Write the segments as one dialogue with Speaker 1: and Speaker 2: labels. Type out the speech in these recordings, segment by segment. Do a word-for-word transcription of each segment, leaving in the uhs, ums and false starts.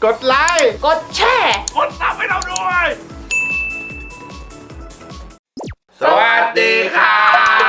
Speaker 1: กดไลค์
Speaker 2: กดแชร์
Speaker 3: กดซับให้เราด้วย
Speaker 1: สวัสดีครับ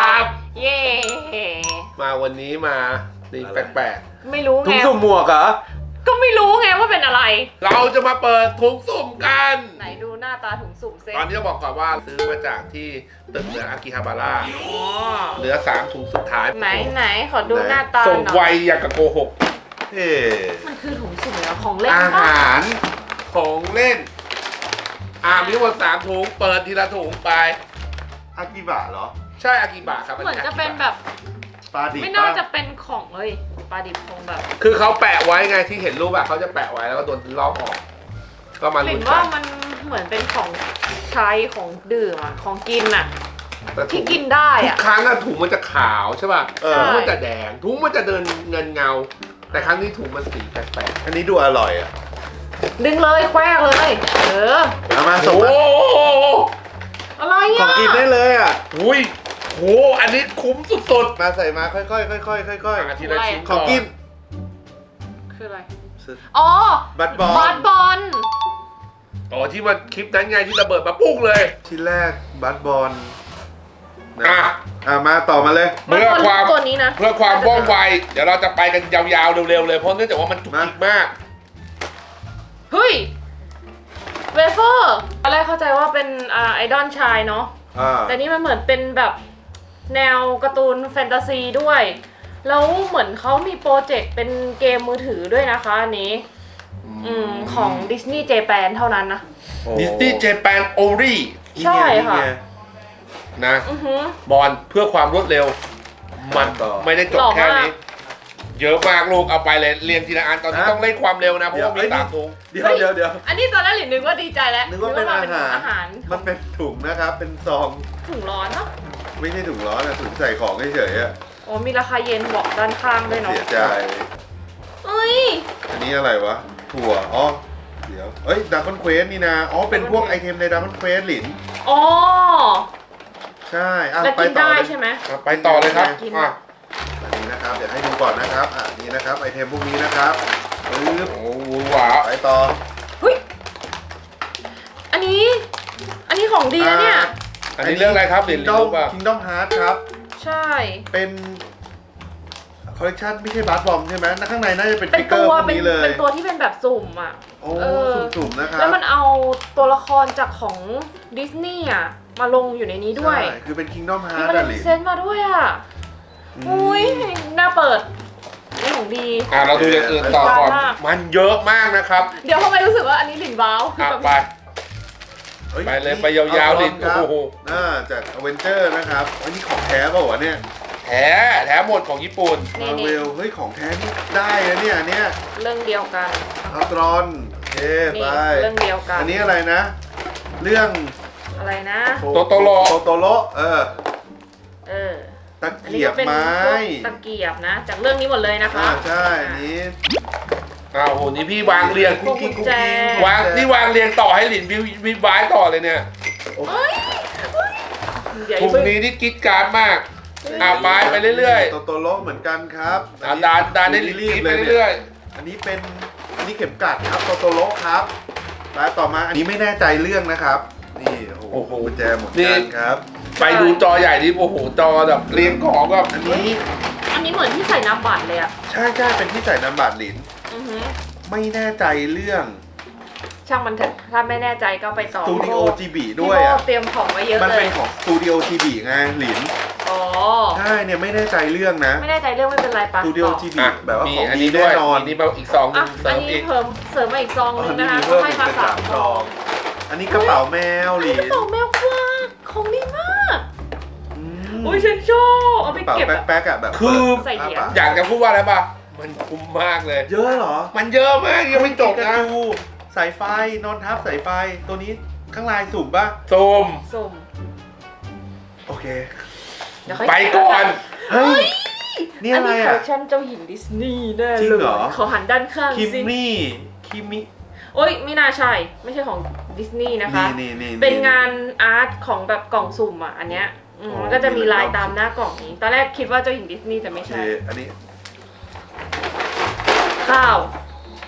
Speaker 2: เย่
Speaker 1: มาวันนี้มาตีแปลก
Speaker 2: ไม่รู้
Speaker 1: ๆถุ
Speaker 2: ไง
Speaker 1: งสุ่มหมวกเหรอ
Speaker 2: ก็ไม่รู้ไงว่าเป็นอะไร
Speaker 1: เราจะมาเปิดถุงสุ่มกัน
Speaker 2: ไหนดูหน้าตาถุงสุ่มเซ็
Speaker 1: ตอนนี้ต้องบอกก่อนว่าซื้อมาจากที่ตึกเหนืออากิฮาบาระ
Speaker 2: อ๋อ
Speaker 1: เหลือสามถุงสุดท้าย
Speaker 2: ไหนไหนขอดูหน้าตาห
Speaker 1: ส่ง
Speaker 2: น่
Speaker 1: ไว
Speaker 2: อย
Speaker 1: อย่างกับโกหก
Speaker 3: เฮ้
Speaker 2: มันคือถุงสุ่มเหรอของเล่น
Speaker 1: อา
Speaker 2: ปะ
Speaker 1: หารของเล่น อ่ามีทั้งหมดสามถุงเปิดทีละถุงไป
Speaker 3: อากิบะเหรอ
Speaker 1: ใช่อากิบะครับ
Speaker 2: เหมือนจะเป็นแบบ
Speaker 3: ปลาดิบ
Speaker 2: ไม่น่าจะเป็นของเลยปลาดิบคงแบบ
Speaker 1: คือเขาแปะไว้ไงที่เห็นรูปอะเขาจะแปะไว้แล้วก็โดนลอกออก ก็มา
Speaker 2: เห็
Speaker 1: ลุ้
Speaker 2: น
Speaker 1: นกั
Speaker 2: ว่าน มันเหมือนเป็นของใช้ของดื่มอะของกินอะ
Speaker 1: แต่ถุ
Speaker 2: ที่
Speaker 1: ง
Speaker 2: กินได้
Speaker 1: ทุก
Speaker 2: อะ
Speaker 1: ครั้งอะถุงมันจะขาวใช่ป่ะ
Speaker 3: เออ
Speaker 1: ถุงมันจะแดงถุงมันจะเดินเงินเงา แต่ครั้งนี้ถุงมันสีแปลก
Speaker 3: อันนี้ดูอร่อยอ่ะ
Speaker 2: ดึงเลยแควกเลย เออ
Speaker 3: เอามา
Speaker 1: ๆ
Speaker 3: ส่ง
Speaker 1: โอ้
Speaker 3: มา
Speaker 1: โห
Speaker 2: อะไร
Speaker 3: ขอ
Speaker 2: อะ
Speaker 3: งกินได้เลยอ่ะ
Speaker 1: อุ้ยโหอันนี้คุ้มสุด
Speaker 3: มาใส่มาค่อยๆค่อยๆค่อย
Speaker 1: ๆอาทีละชิ้น
Speaker 3: ๆของกิน
Speaker 2: คืออะไรอ๋อ
Speaker 3: บัตรบอล
Speaker 2: บาสบอล
Speaker 1: อ๋อที่มันคลิปนั้นไงที่ระเบิดมาปุ้งเลย
Speaker 3: ชิ้นแรกบัตรบอลนะ
Speaker 1: อ่ะ
Speaker 3: อ่ะมาต่อมาเลย
Speaker 1: เพื่อความ
Speaker 2: ตัวนี้นะ
Speaker 1: เพื่อความว่องไวเดี๋ยวเราจะไปกันยาวๆเร็วๆเลยเพราะเนื่องจากว่ามันจุกจิกมาก
Speaker 2: เฮ้ยเวเฟอร์ตอนแรกเข้าใจว่าเป็นอ่าไอดอลชายเนาะ
Speaker 3: อ่า
Speaker 2: แต่นี่มันเหมือนเป็นแบบแนวการ์ตูนแฟนตาซีด้วย แล้วเหมือนเขามีโปรเจกต์เป็นเกมมือถือด้วยนะคะอันนี้ อืมของ Disney Japan เท่านั้นนะ
Speaker 1: ดิสนีย์เจแปนโอรี
Speaker 2: ใช่ค่ะ
Speaker 1: นะ
Speaker 2: อือหือ
Speaker 1: บอลเพื่อความรวดเร็ว มัน
Speaker 3: ต่อ
Speaker 1: ไม่ได้จบ
Speaker 2: หล่อ
Speaker 1: แค่
Speaker 2: มาก
Speaker 1: นี้ เยอะมากลูกเอาไปเลยเรียงทีละอันตอนนี้
Speaker 3: ฮะ
Speaker 1: ต้องเร่งความเร็วนะเพราะว่า
Speaker 3: เดี๋
Speaker 1: มี
Speaker 3: ยว
Speaker 1: สามถุง
Speaker 3: เดี๋ยวเดี๋ยวเดี๋ยว
Speaker 2: อันนี้ตอนแรกหลินนึกว่าดีใจแล้ว
Speaker 3: นึกว่าเป็นอาหาร
Speaker 2: อาหาร
Speaker 3: มันเป็นถุงนะครับ เป็นซอง
Speaker 2: ถุงร้อนเนาะ
Speaker 3: ไม่ใช่ถุงร้อนนะถุงใส่ของเฉยๆอ่ะ
Speaker 2: โอ้มีราคาเย็นบอกด้านข้างด้วยเนาะ
Speaker 3: เสียใจ
Speaker 2: เอ้ย
Speaker 3: อันนี้อะไรวะ ถั่ว อ๋อ เดี๋ยว เอ้ยดับเบิลเควสนี่นะ อ๋อ เป็นพวกไอเทมในดับเบิลเควสหลิน
Speaker 2: อ๋อ
Speaker 3: ใช่อ่ะ
Speaker 2: แล้ว
Speaker 3: ไป
Speaker 2: กิน
Speaker 3: ต่อ
Speaker 2: ได้
Speaker 3: เลย
Speaker 2: ใช่ไหม
Speaker 1: อ่ะไปต่อเลยครับ
Speaker 2: กิน
Speaker 1: อ่ะ
Speaker 3: อันนี้นะครับ เดี๋ยวให้ดูก่อนนะครับ อ่ะนี่นะครับ ไอเทมพวกนี้นะครับปึ๊บ
Speaker 1: โอ้โหหวา
Speaker 3: ไปต่อ
Speaker 2: เฮ้ย อันนี้ อันนี้ของดีนะเนี่ย
Speaker 1: อันนี้เรื่องอะไรครับเรียน
Speaker 3: ดอ
Speaker 1: รู้
Speaker 3: ม
Speaker 1: ป่ะ
Speaker 3: คิงดอมฮาร์ดครับ
Speaker 2: ใช่
Speaker 3: เป็นคอลเลคชันไม่ใช่บาร์บอมใช่ไหมข้างในน่าจะเป็น
Speaker 2: เป็
Speaker 3: ฟิ
Speaker 2: น
Speaker 3: กเกอ
Speaker 2: ตั
Speaker 3: ร์
Speaker 2: ว
Speaker 3: พวก
Speaker 2: เป็น
Speaker 3: นี้เลย
Speaker 2: เป็นตัวที่เป็นแบบสุ่มอ่ะ
Speaker 3: โอ้
Speaker 2: เออ
Speaker 3: สุ่มๆนะครับ
Speaker 2: แล้วมันเอาตัวละครจากของดิสนีย์อ่ะ มาลงอยู่ในนี้ด้วย
Speaker 3: ใช่คือเป็นคิงดอมฮา
Speaker 2: มี
Speaker 3: ร์ด
Speaker 2: มาเล
Speaker 3: อะห
Speaker 2: น
Speaker 3: ลิน
Speaker 2: เซนมาด้วยอ่ะ อุ้ยน่าเปิดนี่ของดี
Speaker 1: อ่ะเราดูอย่างอื่นต่อก่อน
Speaker 2: มาก
Speaker 1: มันเยอะมากนะครับ
Speaker 2: เดี๋ยวทำไมรู้สึกว่าอันนี้หลินว้าว
Speaker 1: อ่ะ
Speaker 2: แบบ
Speaker 1: ไป
Speaker 3: อ้
Speaker 1: ไปเลยไปยาวๆดิ
Speaker 3: ครับ
Speaker 1: โอ้โห
Speaker 3: อ่าจากอเวนเจอร์นะครับอันนี้ของแท้เปล่าวะเนี่ย
Speaker 1: แท้แท้หมดของญี่ปุ่น
Speaker 2: นี่
Speaker 3: มาเว
Speaker 2: นี่
Speaker 3: ลเฮ้ยของแท้นี่ได้นะเนี่ยอันเนี่ย
Speaker 2: เรื่องเดียวกัน
Speaker 3: อัลตรอนโอเค
Speaker 2: นี่
Speaker 3: ไป
Speaker 2: เรื่องเดียวกัน
Speaker 3: อันนี้อะไรนะ เรื่อง
Speaker 2: อะไรนะ
Speaker 1: โตโตโร่
Speaker 3: โตโตโรเออ
Speaker 2: เออ
Speaker 3: ตะ
Speaker 2: อันนี้
Speaker 3: เกีย
Speaker 2: ก็
Speaker 3: บ
Speaker 2: เป็น
Speaker 3: ไม้
Speaker 2: พวกตะเกียบนะ จากเรื่องนี้หมดเลยนะคะ
Speaker 3: อ่าใช่อันนี้
Speaker 1: อ้าวโหนี่พี่วางเรียง
Speaker 2: พวกกุญแจ
Speaker 1: วางนี่วางเรียงต่อให้หลินวิววิวบายต่อเลยเนี่ย
Speaker 2: เฮ้ยเฮ้ยเดี๋ยว
Speaker 1: ถุง
Speaker 2: เพิ่ง
Speaker 1: นี้ที่กิ๊ดการ์ดมากอ่าไปไปเรื่อย
Speaker 3: โตโตโรเหมือนกันครับ
Speaker 1: ๆอ่าดานดานได้หลินกิ๊ดไปเรื่อย
Speaker 3: อันนี้เป็นอันนี้เข็มกลัดครับโตโตโรครับแล้วต่อมาอันนี้ไม่แน่ใจเรื่องนะครับ นี่โอ้โหกุญแจหมดกันครับ
Speaker 1: ๆไปดูจอใหญ่ดิโอ้โหจอแบบเรียงของแบบ
Speaker 3: อันนี้
Speaker 2: อันนี้เหมือนที่ใส่น้ำบัตรเลยอ่ะ
Speaker 3: ใช่ใช่เป็นที่ใส่น้ำบัตรหลิน
Speaker 2: อือหือ
Speaker 3: ไม่แน่ใจเรื่อง
Speaker 2: ช่างมันเถอะถ้าไม่แน่ใจก็ไปต่อ
Speaker 3: สตูดิโอ
Speaker 2: พี่
Speaker 3: จีบี
Speaker 2: โบ้
Speaker 3: ด้วย
Speaker 2: พี่
Speaker 3: อ่ะ
Speaker 2: โบ้เตรียมของไว้เยอะ
Speaker 3: มัน
Speaker 2: เล
Speaker 3: เป็
Speaker 2: ย
Speaker 3: นของสตูดิโอจีบีไงหลิน
Speaker 2: อ๋อ
Speaker 3: ใช่เนี่ยไม่แน่ใจเรื่องนะ
Speaker 2: ไม่แน่ใจเรื่องไม่เป็นไร
Speaker 3: ส
Speaker 2: ปะ
Speaker 3: ตูดิโอ
Speaker 2: ต่อ
Speaker 3: จีบี
Speaker 1: อ่ะ
Speaker 3: แบบว่า
Speaker 1: มี
Speaker 3: ของ
Speaker 1: อัน
Speaker 3: ดี
Speaker 1: นี้ด้
Speaker 3: แน่
Speaker 1: วย
Speaker 3: นอน
Speaker 1: มีนี่มาอีกซองหนึ
Speaker 2: อ่ะ
Speaker 1: งเสริ
Speaker 2: อัน
Speaker 1: ม
Speaker 2: นี้
Speaker 1: อีก
Speaker 2: เพิ่มเสริมมาอีกซอง
Speaker 3: อ๋อ
Speaker 2: นึง
Speaker 3: อัน
Speaker 2: นะคะ
Speaker 3: นี้เพิ่ม
Speaker 2: ให้
Speaker 3: อีก
Speaker 2: มา
Speaker 3: เป็น
Speaker 2: สา
Speaker 3: สาม ม
Speaker 2: ซ
Speaker 3: ซ
Speaker 2: อ
Speaker 3: อง งอันนี้กระเป๋าแมวหลิน
Speaker 2: กระเป๋าแมวกว้างของดีมาก
Speaker 3: อืม
Speaker 2: อุ้ยฉันชอบเอาไป
Speaker 3: กระเป๋า
Speaker 2: เก็บอะ
Speaker 3: แป๊กๆอ่ะแบบ
Speaker 1: คือ
Speaker 2: ใส่เหรียญ
Speaker 1: อยากจะพูดว่าอะไรป่ะมันคุ้มมากเลย
Speaker 3: เยอะเหรอ
Speaker 1: มันเยอะมากยังไม่จบ
Speaker 3: กระ
Speaker 1: นะ
Speaker 3: จูสายไฟนอนทับสายไฟตัวนี้ข้างลายสุ่มป่ะ
Speaker 1: ซูม
Speaker 2: สุ่ม
Speaker 3: โอเค
Speaker 2: เดี๋ยวค่อย
Speaker 1: ไปก่อน
Speaker 3: เฮ้ย นี่
Speaker 2: อัน
Speaker 3: อะไร
Speaker 2: นี้คอล
Speaker 3: อ่ะ
Speaker 2: เลคชันเจ้าหญิงดิสนีย์แน่
Speaker 3: จริง
Speaker 2: เลย
Speaker 3: เหรอ
Speaker 2: ขอหันด้านข้าง
Speaker 3: คิม
Speaker 2: สิ
Speaker 3: มี่คิมมี่
Speaker 2: โอ้ยไม่น่าใช่ ไม่ใช่ของดิสนีย์นะคะ
Speaker 3: นี่นี่นี่
Speaker 2: เป็นงานอาร์ตของแบบกล่องสุ่มอ่ะอันเนี้ยอืม
Speaker 3: อ๋อ
Speaker 2: มันก็จะมีลาย
Speaker 3: มีลาย
Speaker 2: ตามหน้ากล่องนี้ ตอนแรกคิดว่าเจ้าหญิงดิสนีย์แต่
Speaker 3: โอ
Speaker 2: ไม่
Speaker 3: เค
Speaker 2: ใช่
Speaker 3: อันนี้
Speaker 2: ข้าว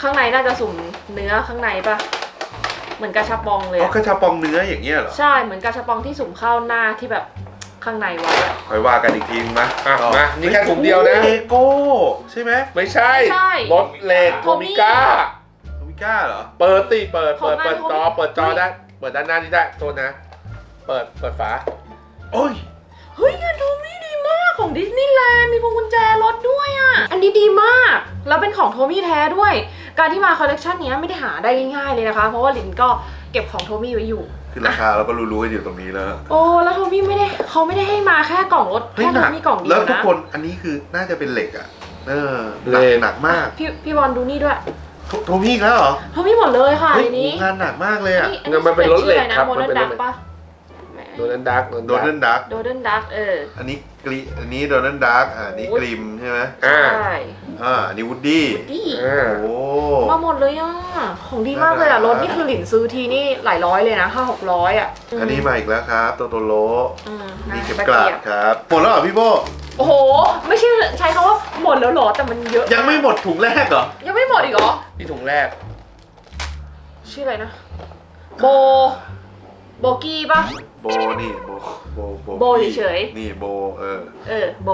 Speaker 2: ข้างในน่าจะสุ่มเนื้อข้างในปะเหมือนกาชาปองเลย
Speaker 3: อ๋อ
Speaker 2: อะ
Speaker 3: กระชาปองเนื้ออย่างเงี้ยเหรอ
Speaker 2: ใช่เหมือนกาชาปองที่สุ่มข้าวหน้าที่แบบข้างในไว้อะ
Speaker 3: คอยว่ากันอีกทีนึงนะ
Speaker 1: อ่ะมานี่แค่ถุงเดียวนะ
Speaker 3: เอโก้ใช่ไหม
Speaker 1: ไม่ใช่
Speaker 2: ไม่ใช่
Speaker 1: รถเลดโทมิก้า
Speaker 3: โทมิก้าเหรอ
Speaker 1: เปิดสิเปิด
Speaker 2: ขอ
Speaker 1: เปิ
Speaker 2: ง
Speaker 1: ด
Speaker 2: นาย
Speaker 1: เปิดจอ
Speaker 2: โทมิ
Speaker 1: เปิดจอได้ เปิดด้านหน้านี่ได้โทษนะ เปิดเปิดฝา
Speaker 3: โอ้ย
Speaker 2: เฮ้ยงานโทมี่ดีมากของดิสนีย์แลนด์มีพวงกุญแจรถด้วยอ่ะ อันนี้ดีมากแล้วเป็นของโทมี่แท้ด้วย การที่มาคอลเลกชันนี้ไม่ได้หาได้ง่ายๆเลยนะคะ เพราะว่าลินก็เก็บของโทมี่ไว้อยู่
Speaker 3: คือราคาเราก็รู้ๆกันอยู่ตรงนี้แล้ว
Speaker 2: โอ้แล้วโทมี่ไม่ได้เขาไม่ได้ให้มาแค่กล่องรถ
Speaker 3: เฮ้ย
Speaker 2: แค่
Speaker 3: ห
Speaker 2: โท
Speaker 3: นัก
Speaker 2: มี่กล่องเดี
Speaker 3: แล้
Speaker 2: ยว ว
Speaker 3: ทุก
Speaker 2: นะ
Speaker 3: คนอันนี้คือน่าจะเป็นเหล็กอ่ะเออห
Speaker 1: เหล็
Speaker 3: นัก
Speaker 1: ก
Speaker 3: หนักมาก
Speaker 2: พี่พี่บอลดูนี่ด้วย
Speaker 3: โทโทมี่อีกแล้วเหรอ
Speaker 2: โทมี่หมดเลยค่ะ
Speaker 3: เฮ้ย
Speaker 2: ในนี้
Speaker 3: งานหนักมากเลยอ่ะ
Speaker 2: อั
Speaker 1: มันเป็นรถเหล็กครับ
Speaker 2: โม
Speaker 1: มัน
Speaker 2: เดิร์
Speaker 1: เป็น
Speaker 2: น
Speaker 1: ร
Speaker 2: ดั
Speaker 1: ถ
Speaker 2: ก
Speaker 1: เหล็ก
Speaker 2: ปะ
Speaker 1: โดนันดัก
Speaker 3: โดนัลดัก
Speaker 2: โดเดินดักเออ
Speaker 3: อันนี้กรีอันนี้โดนัลดักอ่าอันนี้กริมใช่ไหม
Speaker 1: อ่า
Speaker 2: ใช่
Speaker 3: อ่าอันนี้วูดดี้
Speaker 2: ดี
Speaker 1: อ่า
Speaker 3: โอ้
Speaker 2: มาหมดเลยอ่ะของดีมากเลยอ่ะรถนี่คือหลินซื้อทีนี่หลายร้อยเลยนะห้าหกร้อยอ่ะ
Speaker 3: อันนี้มาอีกแล้วครับโตโตโร
Speaker 2: อืม
Speaker 3: นี่เข็ม
Speaker 2: ตะ
Speaker 3: กลา
Speaker 2: เกี
Speaker 3: ด
Speaker 2: ยบ
Speaker 3: ครับหมดแล้วเหรอพี่โบ
Speaker 2: โอ้โห ไม่ใช่ใช้คำว่าหมดแล้วเหรอแต่มันเยอะ
Speaker 3: ยังไม่หมดถุงแรกเหรอ
Speaker 2: ยังไม่หมดอีกเหรอ
Speaker 1: ที่ถุงแรก
Speaker 2: ชื่ออะไรนะ โบ โบกี้ปะ
Speaker 3: โบนี่โบโบโบ
Speaker 2: โบเฉยๆ
Speaker 3: นี่โบเออ
Speaker 2: เออโบ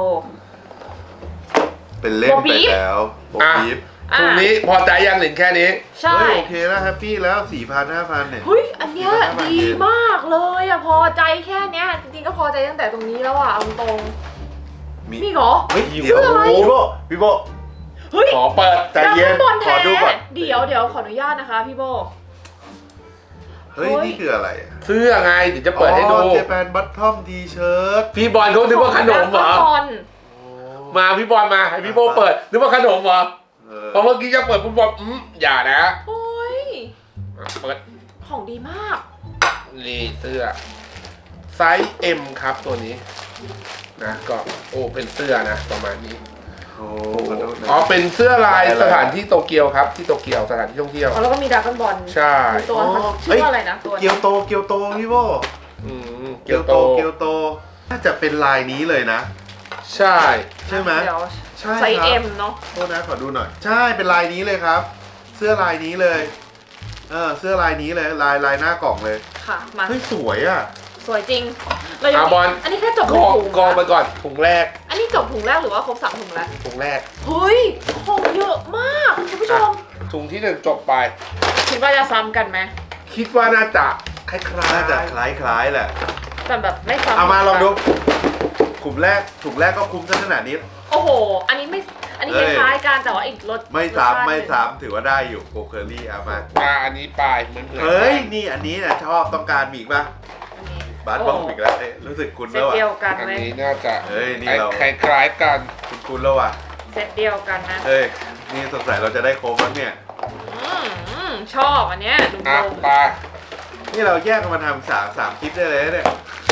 Speaker 3: เป็นเล่น
Speaker 2: โบ
Speaker 3: ไป
Speaker 2: ปี๊บ
Speaker 3: แล้วโบ
Speaker 1: อ่ะ
Speaker 3: ปี๊บ
Speaker 2: อ่ะ
Speaker 1: ถุงนี้พอใจยังหลินแค่นี้
Speaker 2: ใช่
Speaker 3: เฮ้ยโอเคแล้วแฮปปี้แล้วสี่พันห้าพันเนี่ย
Speaker 2: เฮ้ยอันเนี้ย
Speaker 3: สี่พันห้าพัน
Speaker 2: ดีมากเลยอ่ะพอใจแค่เนี้ยจริงๆก็พอใจตั้งแต่ตรงนี้แล้วอ่ะเอาตรง
Speaker 3: มี
Speaker 2: มีเหรอ
Speaker 3: เฮ้ย
Speaker 1: เสื้
Speaker 3: เดี๋ยว
Speaker 2: ออะไร
Speaker 3: พี่โบพี่โบ
Speaker 2: เฮ้ย
Speaker 1: ขอเปิด
Speaker 3: ใจเย็น
Speaker 2: ดราก้อนบอล
Speaker 3: ข
Speaker 2: แท้
Speaker 3: อดูก่อน
Speaker 2: เดี๋ยวเดี๋ยวขออนุญาตนะคะพี่โบ
Speaker 3: เฮ้ย
Speaker 2: เฮ้ย
Speaker 3: นี่คืออะไรอ่ะ
Speaker 1: เสื้อไงเดี๋ยวจะเปิดให้ดู
Speaker 3: เจแปนบัตทอมทีเชิ้ต
Speaker 1: พี่บอลเขานึกว่าขนมเหรอ
Speaker 2: ดราก้อนบอล
Speaker 1: มาพี่บอลมาให้พี่โบเปิดนึกว่าขนมเหรอ
Speaker 3: เออ
Speaker 1: เพราะเมื่อกี้จะเปิดปุ๊บบอกอืมอย่านะ
Speaker 2: โอ้ย
Speaker 1: อ่ะเปิด
Speaker 2: ของดีมาก
Speaker 1: นี่เสื้อไซส์ M ครับตัวนี้นะก็โอ้เป็นเสื้อนะประมาณนี้
Speaker 3: โอ้ขอโทษนะ
Speaker 1: อ๋อเป็นเสื้อลาย
Speaker 3: ลายอะไร
Speaker 1: สถานที่โตเกียวครับที่โตเกียวสถานที่ท่องเที่ยว
Speaker 2: อ๋อแล้วก็มีดราก้อนบอล
Speaker 1: ใช่
Speaker 2: มีตัว
Speaker 3: อ๋อ
Speaker 2: ชื่อว่าอะไรนะตัว
Speaker 3: เกียวโตเกียวโตพี่โบ
Speaker 1: อืมเกี
Speaker 3: เกี
Speaker 1: ย
Speaker 3: ยว ว
Speaker 1: โต
Speaker 3: โตเกียวโตน่าจะเป็นลายนี้เลยนะ
Speaker 1: ใช่
Speaker 3: ใช่ไหม
Speaker 2: เดี๋ยว
Speaker 3: ใช่
Speaker 2: ไซส์
Speaker 3: ครับ
Speaker 2: เอ็มเนาะ
Speaker 3: โทษนะขอดูหน่อย ใช่เป็นลายนี้เลยครับ เสื้อลายนี้เลยเออเสื้อลายนี้เลยลายลายหน้ากล่องเลย
Speaker 2: ค่ะมา
Speaker 3: เฮ้ยสวยอ่ะ
Speaker 2: สวยจริงเรายัง
Speaker 1: อาบอล
Speaker 2: อันนี้แค่จบ
Speaker 1: กอง
Speaker 2: ถุง
Speaker 1: กองไปก่อนถุงแรก
Speaker 2: อันนี้จบถุงแรกหรือว่าครบสามถุงแล้ว
Speaker 1: ถุงแรก
Speaker 2: เฮ้ยของเยอะมากคุณผู้ชม
Speaker 1: ถุงที่หนึ่งจบไป
Speaker 2: คิดว่าจะซ้ำกันไหม
Speaker 1: คิดว่าน่าจะคล้ายๆ
Speaker 3: น่าจะคล้ายๆแหละ
Speaker 2: แต่แบบไม่ซ้ำ
Speaker 3: เอามาลองดูกลุ่มแรกถุงแรกก็คุ้มซะขนาดนี้
Speaker 2: โอ้โห อันนี้ไม่อันนี้
Speaker 3: เอ้
Speaker 2: ค
Speaker 3: ย
Speaker 2: ล้ายๆกันแต่ว่าอีกรส
Speaker 3: ไม่
Speaker 2: รสชา
Speaker 3: ซ้ำ
Speaker 2: ติ
Speaker 3: ไม่
Speaker 2: หนึ่ง
Speaker 3: ซ้ำถือว่าได้อยู่โกเคอรี่เอามา
Speaker 1: ปลาอันนี้ปลายเหมือนเหมือน
Speaker 3: เฮ้ยนี่อันนี้นะชอบต้องการมีอีกป่ะ
Speaker 2: อันนี้
Speaker 3: บาสบอกอีกแล้วเอ้ยรู้สึกคุ้น
Speaker 2: เซ
Speaker 3: แล้
Speaker 2: ต
Speaker 3: วอ่ะ
Speaker 2: เดียวกัน
Speaker 1: อัน
Speaker 2: เลย
Speaker 1: นี้น่าจะ
Speaker 3: เฮ้ยนี่เรา
Speaker 1: คล้ายๆกัน
Speaker 3: คุ้นๆแล้วอ่ะ
Speaker 2: เซตเดียวกันนะ
Speaker 3: เฮ้ยนี่สงสัยเราจะได้โค้กแล้วเนี่ย
Speaker 2: อืมอืมชอบอันเนี้ยดู
Speaker 1: อ่ะ
Speaker 2: ดู
Speaker 1: ปลา
Speaker 3: นี่เราแยกกันมาทำสามสามคลิปได้เลยนะเนี่ย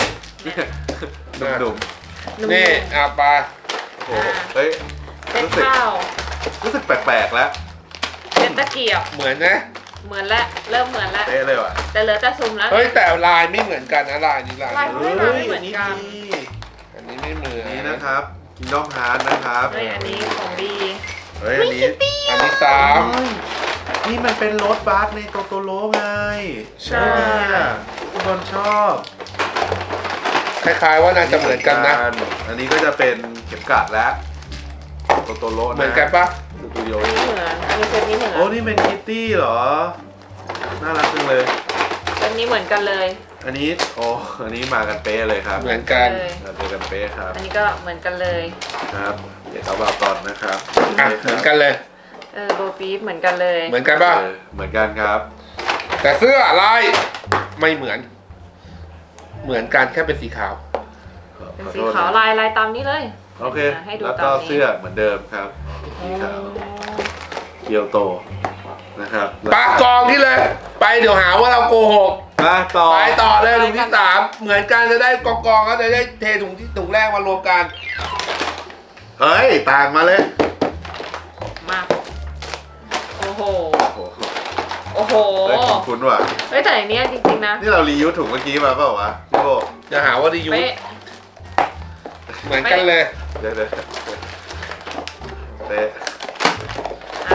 Speaker 3: ดุ่ม
Speaker 1: นี่อ่ะปลา
Speaker 3: ๆโอ้โหเฮ้ย
Speaker 2: เซ็ต
Speaker 3: รู้สึก
Speaker 2: ข้าว
Speaker 3: รู้สึกแปลกๆแล้ว
Speaker 2: เซ็ตตะเกียบ
Speaker 1: เหมือนนะ
Speaker 2: เหมือนแล้วเริ่มเหมือนแล้ว
Speaker 3: เป๊ะเลยว่ะ
Speaker 2: แต่เหลือแต่ซุ่มแล้ว
Speaker 1: เฮ้ยแต่ลายไม่เหมือนกันนะลายนี้ลาย
Speaker 2: ลาย
Speaker 1: นี้
Speaker 2: ไม่ไม่เหมือนกัน
Speaker 1: อันนี้ไม่เหมือน
Speaker 3: นี่นะครับกินน้องฮาร์ดนะครับ
Speaker 2: เฮ้ยอันนี้ของดี
Speaker 3: เฮ้ยอันนี้
Speaker 1: อันนี้สาม
Speaker 3: เฮ้ยนี่มันเป็นรถบัสในโตโตโร่ไง
Speaker 1: ใช่
Speaker 3: เนี่ยทุกคนชอบ
Speaker 1: คล้ายๆว่าน่าจะเหมือนกันนะ
Speaker 3: อันนี้ก็จะเป็นเข็มกลัดแล้วโตโตโร่นะ
Speaker 1: เหมือนกันปะ
Speaker 3: สตูดิโอ
Speaker 2: อันนี้เหมือนอันนี้เซตนี้เหมือน
Speaker 3: โอ้นี่เป็นคิตตี้เหรอ น่ารักจังเลย
Speaker 2: เซตนี้เหมือนกันเลย
Speaker 3: อันนี้โอ้อันนี้มากันเป๊ะเลยครับ
Speaker 1: เหมือนกัน
Speaker 2: เลย
Speaker 3: มาเจอกันเป๊ะครับ
Speaker 2: อันนี้ก็เหมือนกันเลย
Speaker 3: ครับเดี๋ยวเอาบาตอนนะครับ
Speaker 1: อ่ะเหมือนกันเลย
Speaker 2: เออโบปี๊บเหมือนกันเลย
Speaker 1: เหมือนกันปะ
Speaker 3: เออเหมือนกันครับ
Speaker 1: แต่เสื้อลายไม่เหมือน เหมือนกันแค่เป็นสีขาว
Speaker 2: เป็น
Speaker 3: ขอ
Speaker 2: สี
Speaker 3: โทษ
Speaker 2: ขาว
Speaker 3: นะ
Speaker 2: ลายลายตามนี้เลย
Speaker 3: โอเค
Speaker 2: ให้ดู
Speaker 3: แล้ว
Speaker 2: ตา
Speaker 3: ก็
Speaker 2: มนี้
Speaker 3: เสื้อเหมือนเดิมครับสีขาวเกียวโตนะครับ
Speaker 1: ปากกองที่เลย ไปเดี๋ยวหาว่าเราโกหก
Speaker 3: มาต่อ
Speaker 1: ไปต่อเลยถุงที่สามเหมือนกันจะได้กองกองๆก็จะได้เทถุงที่ถุงแรกมารวมกัน
Speaker 3: เฮ้ยต่างมาเลย
Speaker 2: มาโอ้โห
Speaker 3: โอ้โห
Speaker 2: โอ้โห
Speaker 3: เฮ้ยคุ้นๆว่ะ
Speaker 2: เฮ้ยแต่อันเนี้ยจริงๆนะ
Speaker 3: นี่เรารียูสถุงเมื่อกี้มาเปล่าวะพี่โบ
Speaker 1: จะหาว่าดียู
Speaker 2: เป๊ะ
Speaker 1: เหมือนกันเลย
Speaker 3: เดี๋ยวเดี๋ยวเตะ
Speaker 2: อ่ะเซตนี้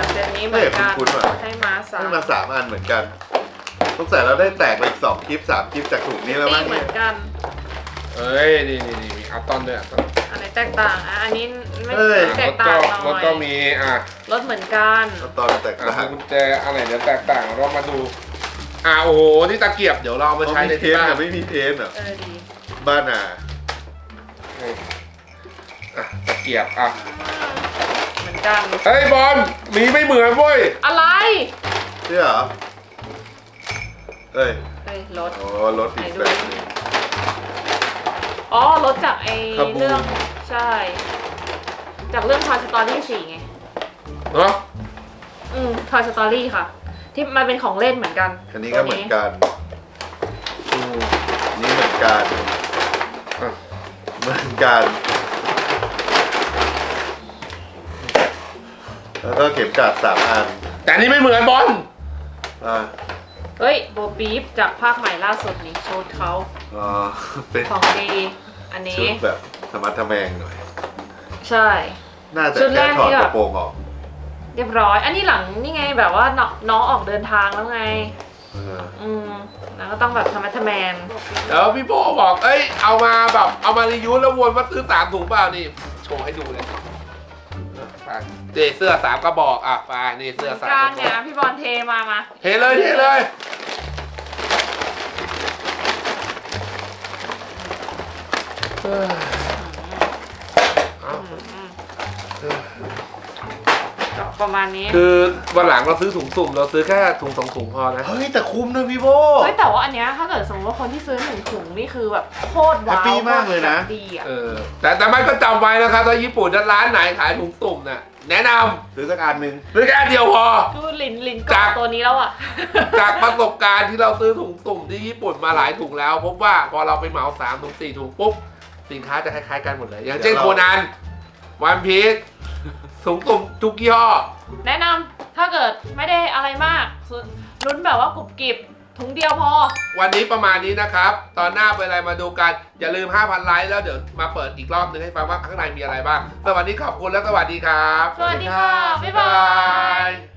Speaker 2: เหมือนกัน
Speaker 3: เฮ้ยคุ้นๆว่ะ
Speaker 2: ให้มาสาม
Speaker 3: ให้มาสามอันเหมือนกันสงสัยเราได้แตกไปอีกสองคลิปสามคลิปจากถุงนี้แล้ว
Speaker 2: นี่
Speaker 3: มั้ง
Speaker 2: เหมื
Speaker 3: เนี่
Speaker 2: อย นกัน
Speaker 1: เอ้ยนี่นี่นี่มีอัลตอนด้วยอัลตอน
Speaker 2: อันไหนแตกต่างอ่ะอันนี้ไม่
Speaker 3: เอ้ย
Speaker 2: แต
Speaker 1: ร
Speaker 2: ก
Speaker 1: ถ
Speaker 2: ต่า
Speaker 1: ก็
Speaker 2: งหน่อย
Speaker 1: รถก็มีอ่ะ
Speaker 2: รถเหมือนกัน
Speaker 3: ตอนแตก
Speaker 1: อ่ะ
Speaker 3: ต่าง
Speaker 1: กุญแจอะไรเดี๋ยวแตกต่างเรามาดูอ่ะโอ้โหนี่ตะเกียบเดี๋ยวเราเอามาใช้ใน
Speaker 3: มีเท
Speaker 1: ที่
Speaker 3: น
Speaker 1: บ้าน
Speaker 3: กับไม่มีเทนเหรอ
Speaker 2: เออดี
Speaker 3: บ้านอ่ะ
Speaker 1: นี่อ่ะตะเกียบอ่ะ
Speaker 2: เหมือนกัน
Speaker 1: เฮ้ยบอลมีไม่เหมือนเว้ย
Speaker 2: อะไร
Speaker 3: ใช่เหรอเอ้ย
Speaker 2: เฮ้ยรถ
Speaker 3: โอ้รถอีกแบบหนึง
Speaker 2: อ๋อรถจากไอ
Speaker 3: คาบู
Speaker 2: เรื่องใช่ จากเรื่อง Toy Story สี่ไง
Speaker 1: เนาะ
Speaker 2: อืม Toy Story ค่ะ ที่มันเป็นของเล่นเหมือนกัน
Speaker 3: อันนี้ก็เหมือนกัน
Speaker 1: อืม
Speaker 3: อันนี้เหมือนกัน
Speaker 1: อ่ะ
Speaker 3: เหมือนกัน แล้วก็เข็มกลัดสามอัน
Speaker 1: แต่อันนี่ไม่เหมือนบอล
Speaker 3: อ่า
Speaker 2: เฮ้ยโบปีฟจากภาคใหม่ล่าสุดนี่ชุดเขา
Speaker 3: อ๋อเป็น
Speaker 2: ของดี อันนี้
Speaker 3: ชุดแบบธรรมะทแมงหน่อย
Speaker 2: ใช่
Speaker 3: น่าจะ
Speaker 2: ชุดแร
Speaker 3: แค่
Speaker 2: ก
Speaker 3: ถอด
Speaker 2: นี่
Speaker 3: ก
Speaker 2: แบบ
Speaker 3: ระโปรงออก
Speaker 2: เรียบร้อย อันนี้หลังนี่ไงแบบว่าน้องน้องออกเดินทางแล้วไง
Speaker 3: เออ
Speaker 2: อืมแล้วก็ต้องแบบธรรมะทแมน
Speaker 1: แล้วพี่โบบอกเอ้ยเอามาแบบเอามารีวิวแล้ววนว่าซื้อสามถุงเปล่านี่โชว์ให้ดูเลยไปเดเสื้อสามกระบอกอ่ะไปนี่เสื้อสามก
Speaker 2: การ
Speaker 1: ระบ
Speaker 2: เนี่
Speaker 1: อย ก
Speaker 2: พี่บอลเทมามา
Speaker 1: เทเลยเทเลยเอ้ยเอา
Speaker 2: อืมอืมก็ประมาณนี้
Speaker 1: คือวันหลังเราซื้อถุงสุ่มเราซื้อแค่ถุงสองถุงพอนะ
Speaker 3: เฮ้ยแต่คุ้มนะพี่โบ
Speaker 2: เฮ้ยแต่ว่าอันเนี้ยถ้าเกิดสมมติว่าคนที่ซื้อหนึ่งถุงนี่คือแบบโคตรว้าว
Speaker 3: แฮปปี้มากเลยนะ
Speaker 2: แบบดีอ่ะ
Speaker 1: เออแต่แต่ไม่ก็จำไว้นะครับถ้าญี่ปุ่นร้านไหนขายถุงสุ่มน่ะแนะน
Speaker 3: ซื้อสักอันหนึ่ง
Speaker 1: ำซื้อแค่อันเดียวพอ
Speaker 2: ดูลินลิน
Speaker 1: จา
Speaker 2: เกาก ตัวนี้แล้วอ่ะ
Speaker 1: จากประสบการณ์ที่เราซื้อถุงสุ่มที่ญี่ปุ่นมาหลายถุงแล้ว พบว่าพอเราไปเหมาสามถุงสี่ถุงปุ๊บสินค้าจะคล้ายๆกันหมดเลย อย่างเช่นโคนันวันพีชถุงสุ่มทุกยี่ห้อ
Speaker 2: แนะนำถ้าเกิดไม่ได้อะไรมากซื้อลุ้นแบบว่ากรุบกริบถุงเดียวพอ
Speaker 1: วันนี้ประมาณนี้นะครับ ตอนหน้าเป็นอะไรมาดูกัน อย่าลืม ห้าพัน ไลค์แล้วเดี๋ยวมาเปิดอีกรอบนึงให้ฟังว่าข้างในมีอะไรบ้าง สวัสดีขอบคุณและสวัสดีครับ
Speaker 2: สวัสดีค่ะ บ๊ายบาย
Speaker 1: ย